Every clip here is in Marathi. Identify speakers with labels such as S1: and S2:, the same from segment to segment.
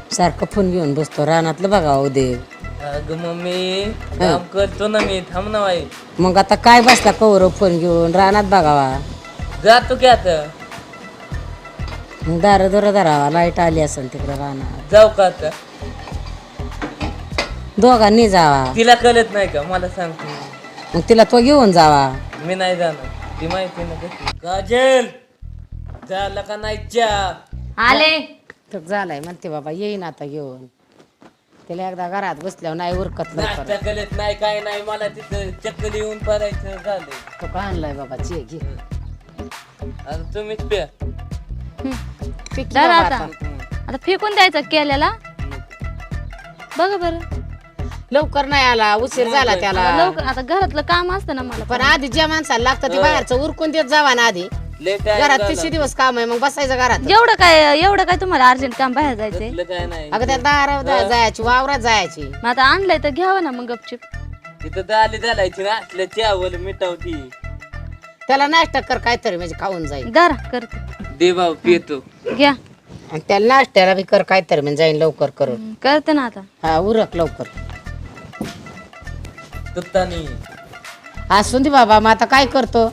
S1: सारखं फोन घेऊन बसतो रानातलं बघावं देव.
S2: अगं मम्मी काम करतो ना मी, थांब ना बाई.
S1: मग आता काय बसला कवर फोन घेऊन रानात बघावा.
S2: जातो की आता.
S1: मग दार दोरा धरावा, लाईट आली असेल तिकडे रानात.
S2: जाऊ का आता?
S1: दोघांनी जावा.
S2: तिला कळत नाही का? मला सांगतो.
S1: मग तिला तो घेऊन जावा.
S2: मी नाही जाणार, ती माहिती ना कशी. काजल झाला का नाही चहा?
S3: आले.
S1: तर झालाय म्हणते बाबा, येईन आता घेऊन. तिला एकदा घरात बसल्यावर नाही उरकत
S2: नाश्ता
S1: लवकर.
S2: कळत नाही काय नाही, मला तिथं चक्कर येऊन पडायचं झालंय.
S1: तो का आणलाय बाबा, चे घे.
S2: आणि तुम्हीच प्या.
S1: पिकी
S3: धर
S1: बाबा
S3: आता.
S1: आता.
S3: आता फेकून द्यायचं केल्याला. बघा बरं.
S1: लवकर नाही आला, उशीर झाला त्याला.
S3: लवकर आता घरातलं काम असतं ना मला.
S1: पण आधी ज्या माणसाला लागतं ते बाहेरचं उरकून देत जावा ना आधी.
S2: लेट
S1: घरात 30 दिवस काम आहे, मग बसायचं घरात.
S3: एवढं काय तुम्हाला अर्जंट काम बाहेर जायचंय?
S2: काय नाही.
S1: अगं त्या दारात जायची, वावरात जायची.
S3: मग आता आणलंय तर घ्यावं ना मग गपचिप.
S2: तिथं दाली घालायची ना, असल्या चहावर मिटावती.
S1: त्याला नाश्ता कर काहीतरी, म्हणजे खाऊन जाईल.
S3: दरा करते.
S2: दे भाऊ पितो.
S3: घ्या.
S1: आणि त्याला नाश्त्याला बी कर काहीतरी, म्हणजे जाईल लवकर करून.
S3: करते ना आता.
S1: हा उरक लवकर.
S2: तुत्तानी
S1: असून दे बाबा, मग आता काय करतो.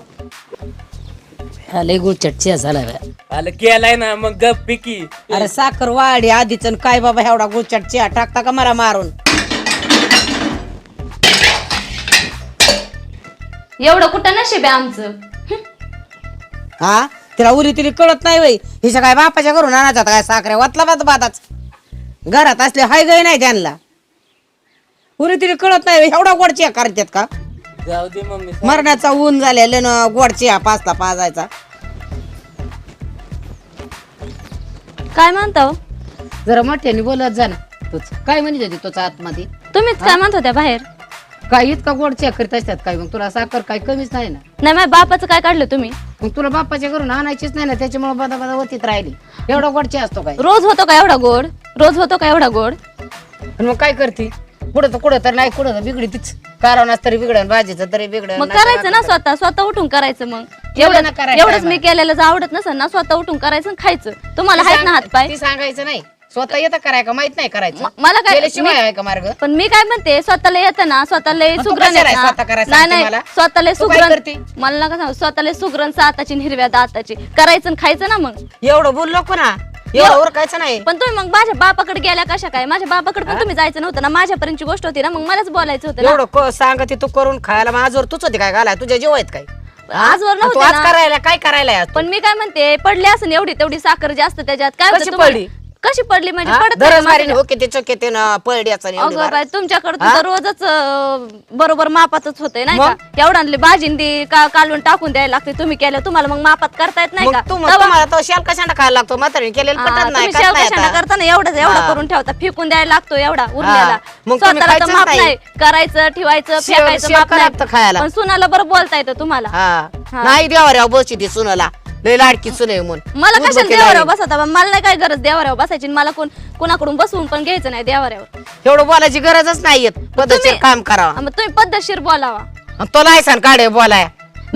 S1: लय गुळचट झाला.
S2: आलं केलाय ना, मग गप पिकी.
S1: अरे साखर वाढी आधीच, आणि काय बाबा एवढा गुळचट चिया टाकता का मला मारून.
S3: एवढं कुठं नशीब आहे आमचं.
S1: हा तिला उरी तिला कळत नाही वय. हिच्या काय बापाच्या घरून आणायचा काय साखऱ्या वातला बादाच. घरात असले हाय गय नाही त्यांना. उरी तिला कळत नाही एवढा गोड चिया करतात का.
S2: जाऊ दे मम्मी.
S1: मरणाचा ऊन झालेलं ना, गोड चिया पाचला पाजायचा.
S3: काय म्हणता हो?
S1: जरा मोठ्याने बोलत जा ना. तूच काय म्हणत होती तुझ्या आतमध्ये.
S3: तुम्हीच काय म्हणत होत्या बाहेर?
S1: काय इतका गोड चिया करीत असतात काय. मग तुला साखर काय कमीच नाही ना.
S3: नाही माझ्या बापाचं काय काढलं तुम्ही?
S1: मग तुला बापाच्या घरून आणायचीच नाही ना, त्याच्यामुळे बदा बदा होतीत राहिली. एवढा गोड चिया असतो काय.
S3: रोज होतो का एवढा गोड? रोज होतो का एवढा गोड?
S1: पण मग काय करते. कुठं तर नाही, कुठं बिघडी तीच. कारवणाच तरी बिघडन, भाजीचं तरी बिघडन.
S3: मग करायचं ना स्वतः उठून करायचं. मग
S1: एवढं ना करायचं
S3: एवढंच मी केलेलं जर आवडत नसेल ना, स्वतः उठून करायचं आणि खायचं. तुम्हाला आहेत ना हात पाय.
S1: ती सांगायचं नाही. स्वतः येतं कराय का माहित नाही करायचं.
S3: मला काय
S1: केल्याशिवाय आहे का मार्ग.
S3: पण मी काय म्हणते, स्वतःला येतं ना, स्वतःला
S1: मग तू
S3: सुग्रण
S1: कशाला आहे स्वतः करायला
S3: नाही
S1: सांगते
S3: नाही
S1: मला?
S3: स्वतःला
S1: तू काय
S3: सुग्रण
S1: करते?
S3: मला नका सांगू. स्वतःला सुग्रण हाताची आणि हिरव्या दाताची करायचं आणि खायचं ना. मग
S1: एवढं बोललो को ना, एवढं ओरकायचं नाही.
S3: पण तुम्ही मग माझ्या बापाकडे गेल्या कशा काय? माझ्या बापाकडे पण तुम्ही जायचं नव्हतं ना, माझ्यापर्यंतची गोष्ट होती ना, मग मलाच बोलायचं होतं ना.
S1: एवढं सांगते तू करून खायला. माझ्यावर तूच होती काय घालाय, तुझ्या जीव आहेत काय.
S3: आजवर
S1: तू
S3: नव्हतं
S1: आज
S3: ना.
S1: करायला काय करायला आज तू?
S3: पण मी काय म्हणते, पडली असं एवढी तेवढी साखर जास्त त्याच्यात काय होतं
S1: कशी
S3: तुम्हाला?
S1: पडली?
S3: कशी पडली म्हणजे
S1: हा?
S3: पडत
S1: दररोज मारीने होके ते चोके ते पळड्याचं आणि एवढी
S3: अगं
S1: भार.
S3: बाई, तुमच्याकडे तर रोजच बरोबर मापातच होतंय नाही का? एवढाली भाजी कालवून टाकून द्यायला लागते. तुम्ही केलं, तुम्हाला मग मापात करता येत नाही
S1: मग
S3: का?
S1: तुम्हाला तो शाल कशाला खायला लागतो. म्हातारी केलेलं पटत नाही.
S3: तुम्ही
S1: खात
S3: शेव
S1: नाही
S3: कशाला
S1: आता.
S3: करता ना, एवढा करून ठेवता. फेकून द्यायला लागतो एवढा उरलेला.
S1: मग तुम्ही
S3: स्वतःला तर
S1: खायचंच
S3: माप
S1: नाही.
S3: नाही. करायचं, ठेवायचं,
S1: शेव-
S3: फेकायचं
S1: शेव
S3: माप
S1: का लागतं
S3: नाही.
S1: खायला?
S3: पण सुनाला बरं बोलता येतं तुम्हाला.
S1: हा नाही देवा बसची ती सुनाला लय लाडकी सुने म्हणून.
S3: मला कशाला देवाऱ्यावर बसवता? मला नाही काय गरज देवाऱ्यावर बसायची. मला कोणाकडून बसवून पण घ्यायचं नाही देवाऱ्यावर.
S1: एवढं बोलायची गरजच नाहीये. पद्धतशीर काम करावं.
S3: मग तुम्ही पद्धतशीर बोलावा.
S1: तो लायसन काढे बोलाय.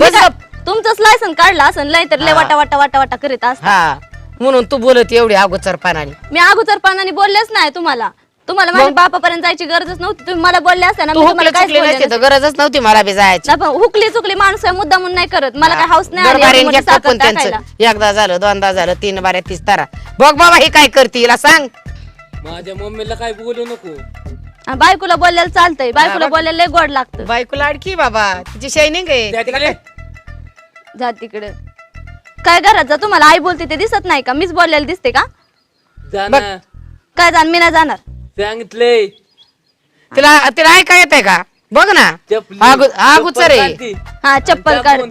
S3: तुमचंच लायसन काढलं असं लय तर लय वाटा वाटा वाटा वाटा करीत असता.
S1: हा म्हणून तू बोलत एवढी अगोचरपणाने.
S3: मी अगोदरपणाने बोललेच नाही तुम्हाला. माझ्या बापापर्यंत जायची गरजच नव्हती. तुम्ही मला बोलले असता ना,
S1: तू
S3: मी
S1: हुकली
S3: तुम्हाला काहीच
S1: चुकली
S3: बोलले
S1: नसती
S3: नसते.
S1: तर गरजच नव्हती मला बी जायची.
S3: नाही, पण हुकली चुकली माणूस आहे, मुद्दा म्हणून नाही करत. मला काय हाऊस नाही आली
S1: दरबारीने
S3: एवढी मोठी
S1: घेतलं
S3: साखर
S1: पण त्यांचं.
S3: टाकायला.
S1: एकदा झालं, दोनदा झालं, 3 बाऱ्या 30 तारा. बघ बाबा ही काय करते हिला सांग.
S2: माझ्या मम्मीला काय बोलू नको.
S3: हा, बायकोला बोलायला चालतंय. बायकोला बोलायला लय गोड लागतं.
S1: बायको लाडकी बाबा, तिची शायनिंग आहे.
S2: त्या तिकडे.
S3: जा तिकडे. काय घरात जा, तुम्हाला आई बोलते ते दिसत नाही का? मीच बोललेलं दिसते का?
S2: जा ना.
S3: काय जाण, मी नाही जाणार.
S2: सांगितलंय.
S1: तिला तिला ऐका येत आहे का? बघ ना अगोचर आहे.
S3: हा, चप्पल काढ.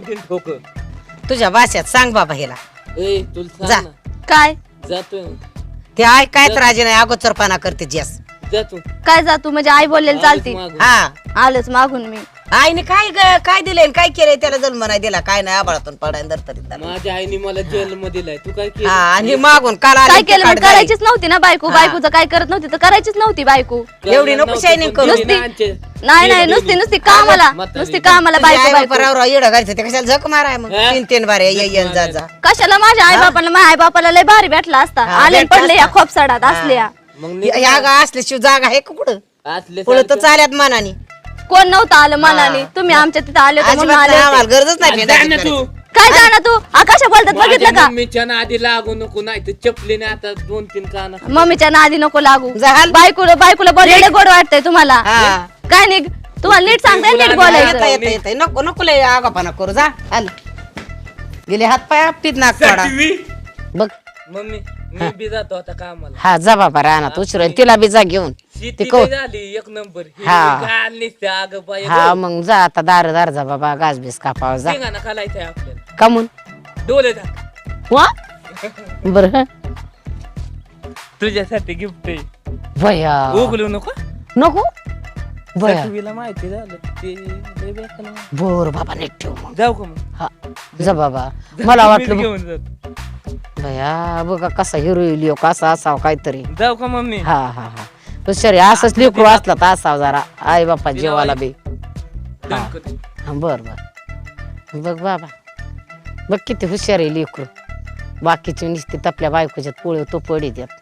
S1: तुझ्या भाषेत सांग बाबा हिला.
S2: तुला
S1: जा.
S2: सांग ना.
S3: काय
S2: जातो
S1: ते ऐकायच राजी नाही, अगोचरपणा करते जस.
S2: जातो.
S3: काय जा तू? म्हणजे आई बोललेली चालते.
S1: हा
S3: आलंच मागून मी.
S1: आईने काय दिलंय काय केलंय त्याला जन्म नाही दिला काय नाही, आबाळातून पडायला दरतरीत.
S2: माझ्या आईने मला जन्म दिलाय. तू काय केलं?
S1: हा आणि मागून काल आली
S3: काय केलं?
S1: ती
S3: मग
S1: काढ
S3: करायचीच नव्हती ना बायको. बायकोचं काय करत नव्हती तर करायचीच नव्हती बायको.
S1: एवढी नको शायनिंग करू.
S3: नाही नुसती कामाला बायको बायको.
S1: येडं घालते ते कशाला झक माराय मग. 3 बारे येईन जा जा.
S3: कशाला माझ्या आई बापाला लय भारी भेटला असता. आले आणि पडले या खोपसाडात असल्या.
S2: मग
S1: या गा असल्याशिवाय जागा आहे का कुठं
S2: असले
S1: पुढे तर चालत मनाने
S3: कोण नव्हतं आलं मनाने, तुम्ही आमच्या तिथं आले होते म्हणून
S1: अजिबात
S3: आले
S1: नाही,
S3: होते.
S1: आम्हाला गरजच नाही
S2: जा
S1: भेटायची
S2: ना तू
S1: करायची.
S3: काय जाणार तू आकाशा बोलतात बघितलं का?
S2: मम्मीच्या नादी लागू नको, नाही तर चपलीने आता 2-3 कान.
S3: मम्मीच्या नादी नको लागू.
S1: झाल.
S3: बायकोला बोलायला गोड वाटतंय तुम्हाला?
S1: हा.
S3: काय नाही तुम्हाला नीट सांगताय नीट
S1: येता
S3: बोलायचं.
S1: येता येता नको नको लय आगापणा करू जा आल गेले हात पाय आपटीत नाक काढा बघ.
S2: मम्मी मी बी जातो आता कामाला.
S1: हा जा बाबा रानात उशिरा तिला बी जा घेऊन
S2: शेती
S1: कौ-
S2: लई झाली एक नंबर.
S1: हा.
S2: अग बाई
S1: हा मग जा आता दार जा बाबा गाज बीस कापाव जा
S2: शेंगाना खालायचंय आपल्याला.
S1: कमून
S2: डोले टाक.
S1: वा बर
S2: तुझ्यासाठी गिफ्ट आहे.
S1: भया
S2: उगलू नको.
S1: नको भया
S2: सखीला माहिती झालं ते लई बेकार आहे.
S1: बोर बाबा नीट ठेव मग
S2: जाऊ का मग?
S1: हा जा बाबा मला वाटलं
S2: मीच घेऊन जातो.
S1: भया बघा कसा हिरो लिओ कसा असावा काहीतरी
S2: जाऊ का मम्मी?
S1: हा हा हा हुशारी असंच लेकरू असला तर असावं जरा आई बापा जेवायला बी
S2: दणकत.
S1: हा बर बर बघ बाबा बघ किती हुशार आहे लेकरू बाकीची नुसती आपल्या बायकोच्यात पोळी तो पडी द्यात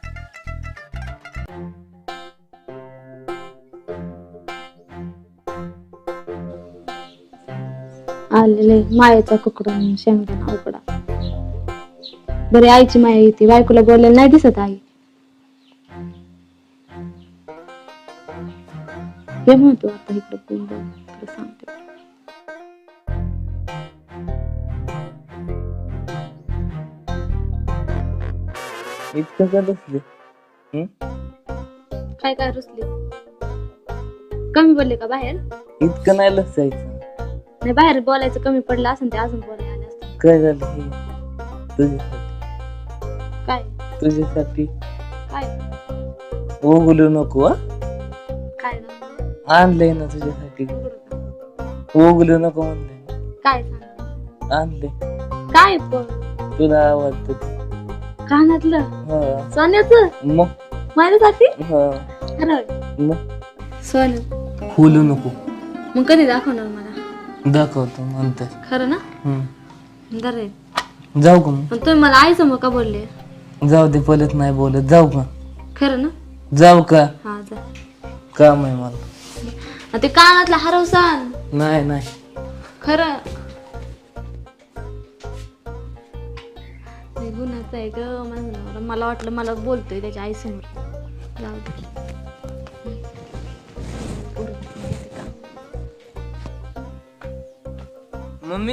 S4: आलेले मायेचा कुकडून शेंगदाणा उकडा. बरे आईची माया येते, बायकोला बोलायला नाही दिसत आई. हे म्हणतो आता इकडे सांगते.
S2: इतकं का बसले?
S4: काय काय रुसली? कमी बोलले का बाहेर?
S2: इतकं नाही लसायचं.
S4: नाही बाहेर बोलायचं कमी पडलं असं ते अजून बोलायला आले असते.
S2: काय झालं हे? तुझ्यासाठी.
S4: काय
S2: तुझ्यासाठी
S4: काय
S2: उगलू नको हा?
S4: काय ना?
S2: आणलंय ना तुझ्यासाठी. उगलू नको म्हणलंय.
S4: काय सांग
S2: आणले.
S4: काय पण
S2: तुला आवडत ते.
S4: कानातलं
S2: हा.
S4: सोन्याचं
S2: मग
S4: माझ्यासाठी
S2: हा.
S4: खरं
S2: मग
S4: सोनं
S2: खोलू नको.
S4: मग कधी दाखवणार मला?
S2: दाखवतो नंतर.
S4: खरं ना?
S2: हम्म.
S4: बरं.
S2: जाऊ का मग?
S4: पण तुम्ही मला आई समोर का बोलले?
S2: जाऊ दे परत नाही बोलत. जाऊ का?
S4: खरं ना?
S2: जाऊ का?
S4: हा जा.
S2: काम आहे मला.
S4: आणि ते कानातला हरवसान
S2: नाही नाही.
S4: खरं लय गुन्हाचं आहे ग माझा नवरा. मला वाटलं मला बोलतोय त्याच्या आई समोर. जाऊ दे.
S2: मम्मी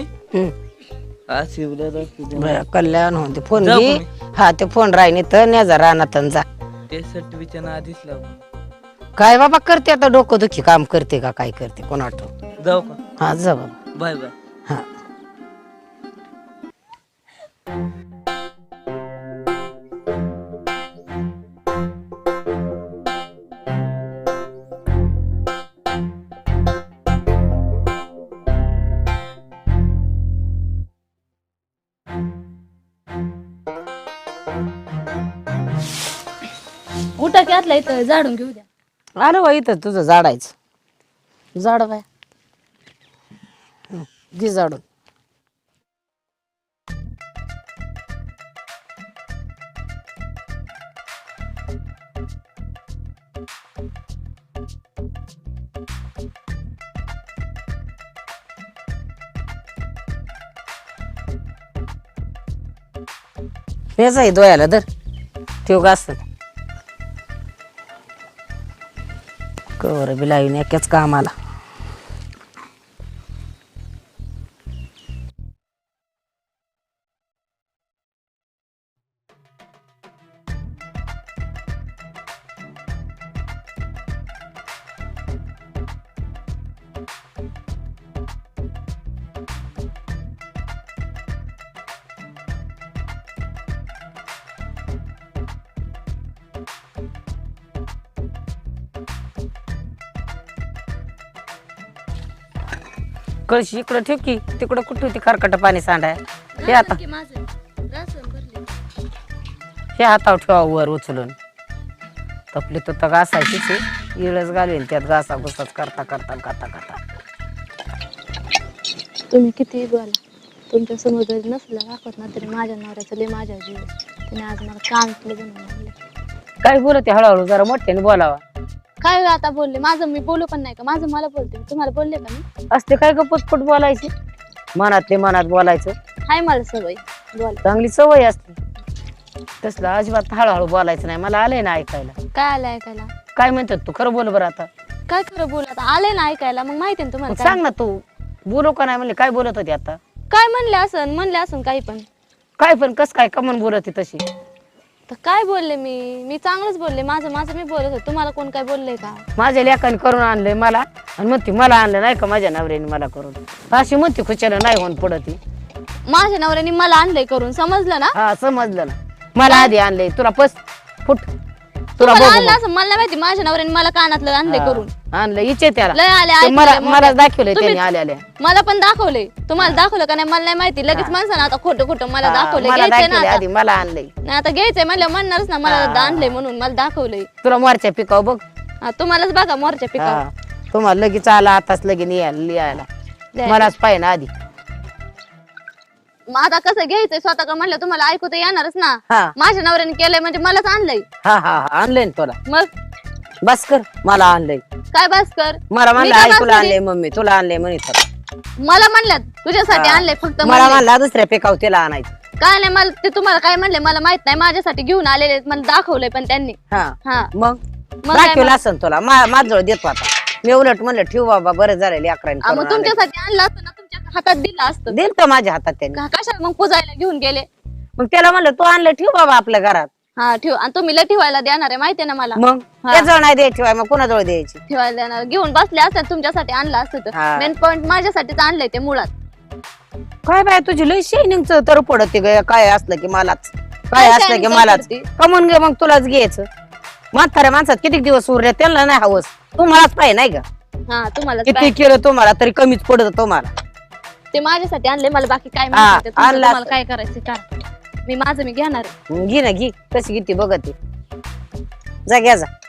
S1: भया कल्याण होते फोन
S2: जाऊ
S1: घे
S2: का
S1: हा ते फोन राहिनी तर न्या रानात जा
S2: ते सटवीच्या आधीच लागू.
S1: काय बाबा करते आता डोकं दुखी काम करते का काय करते कोण आठव
S2: जाऊ का?
S1: हा जा बाबा
S2: बाय बाय.
S1: हा
S4: उठा की आतला इथं झाडून घेऊ द्या.
S1: आलं बा इथं तुझं झाडायचं झाड बाय घे झाडून हेच आहे दोयाला धर ठेव का असत कवर बी लावून एकाच कामाला कळशी इकडं ठेव की तिकडं कुठं होती खरकट पाणी सांडाय हे आता हे हातावर ठेवा वर उचलून तपली तर घासायचीच इळच घालून त्यात घासा घुसाच करता करता करता करता
S4: तुम्ही किती बोला तुमच्या समोर जरी नसलं दाखवत ना तरी माझ्या नवऱ्याचं लय माझ्या जीव त्याने आज मला काम केलं बनवून आणलं.
S1: काय बोलते हळूहळू जरा मोठ्याने बोलावा.
S3: काय आता बोलले माझं मी बोलू पण नाही का माझं मला बोलते तुम्हाला बोलले का मी
S1: असते काय ग पुटपुट बोलायची मनातले मनात बोलायचं
S3: हाय मला सवय बोल
S1: चांगली सवय असते. तसलं अजिबात हळूहळू बोलायचं नाही. मला आलंय ना ऐकायला.
S3: काय आलं ऐकायला
S1: काय म्हणतात तू खरं बोल बरं आता.
S3: काय खरं बोल आता आले ना ऐकायला मग माहिती ना तुम्हाला
S1: मग
S3: काय.
S1: सांग ना तू बोलू का नाही म्हणले काय बोलत होती आता.
S3: काय म्हणले असन काही पण
S1: काय पण कस काय कमन बोलत होती तशी.
S3: तर काय बोलले मी चांगलंच बोलले माझं मी बोलत होते तुम्हाला कोण काय बोलले का.
S1: माझ्या लेकाने करून आणलंय मला आणि म्हणते मला आणलं नाही का माझ्या नवऱ्याने मला करून. अशी म्हणते खुशाला नाही होऊन पडती.
S3: माझ्या नवऱ्याने मला आणलंय करून समजलं ना.
S1: हा समजलं ना. मला आधी आणलंय तुला फुट तुला
S3: तुम्हाला
S1: बघू
S3: आणलं असं मला नाही माहिती माझ्या नवऱ्याने मला कानातलं आणलंय करून
S1: आणलं इचे त्याला
S3: लय आले
S1: ते
S3: ऐकले,
S1: मला
S3: मोबाईल.
S1: दाखवलंय
S3: तुम्ही-
S1: त्याने आल्या
S3: मला पण दाखवलंय तुम्हाला दाखवलं का नाही मला नाही माहिती लगेच माणसानं आता खोटं खोटं मला दाखवलंय
S1: मला
S3: घ्यायचंय ना
S1: दाखवलंय
S3: आता.
S1: आधी मला आणलंय.
S3: नाही आता घ्यायचंय म्हणलं म्हणणारच ना मला आणलंय म्हणून मला दाखवलंय.
S1: तुला मोरच्या पिकाव बघ.
S3: हा, तुम्हालाच बघा मोरच्या पिका
S1: हा. तुम्हाला लगेच आला आताच लगेच लिहायला मलाच पाहिजे ना आधी.
S3: मग आता कसं घ्यायचंय स्वतः का म्हणलं तुम्हाला ऐकू तर येणारच ना.
S1: हा
S3: माझ्या नवऱ्याने केलंय म्हणजे मलाच आणलंय.
S1: हा हा आणलंय ना तुला.
S3: मग
S1: बस कर मला आणलंय.
S3: काय बस कर
S1: मला
S3: मी
S1: म्हणलं
S3: काय
S1: ऐकूला
S3: बस
S1: आणलंय मम्मी तुला आणलंय म्हणत.
S3: मला म्हणल्यात तुझ्यासाठी आणलंय फक्त
S1: मला
S3: म्हणलंय.
S1: म्हणला दुसऱ्या पिकाव तिला आणायचं.
S3: काय नाही मला ते तुम्हाला काय म्हणले मला माहित नाही माझ्यासाठी घेऊन आलेले आहेत, मला दाखवलंय पण त्यांनी.
S1: हा
S3: हा
S1: मग
S3: मग काय
S1: दाखवलं असं तुला माझजवळ देतो आता. मी उलट म्हणलं ठेव बाबा बरं झालं अकराने
S3: मग तुमच्यासाठी आणलं असतं ना तुमच्या हातात दिलं असतं.
S1: दिल तर माझ्या हातात त्याने.
S3: कशा मग पुजायला घेऊन गेले.
S1: मग त्याला म्हणलं तू आणलं ठेव बाबा आपल्या घरात.
S3: हा ठेव आणि तुम्ही लय ठेवायला देणार आहे माहितीये ना मला.
S1: मग त्याजवळ नाही द्यायची बाई, मग कोणाजवळ द्यायची.
S3: ठेवायला देणार घेऊन बसले असतात तुमच्यासाठी आणलं असतं तर
S1: हा.
S3: मेन पॉइंट माझ्यासाठीच आणलंय ते मुळात.
S1: काय बाय तुझी लय शायनिंगच तर पडते ग. काय असलं की मलाच काय असलं की
S3: shining
S1: मलाच
S3: करते?
S1: कमवून घे मग तुलाच घ्यायचं. म्हाताऱ्या माणसात किती दिवस उरले त्यांना नाही हवस. तुम्हालाच पाहिजे नाही का.
S3: हा तुम्हाला
S1: किती केलं तुम्हाला तरी कमीच पडत तुम्हाला.
S3: ते माझ्यासाठी आणले मला बाकी काय
S1: हा,
S3: माहिती तुमचं
S1: आणलं
S3: तुम्हाला
S1: असतं.
S3: काय करायचं का मी माझं मी घेणार आहे.
S1: घे ना घे कशी किती बघते जा घ्या जा.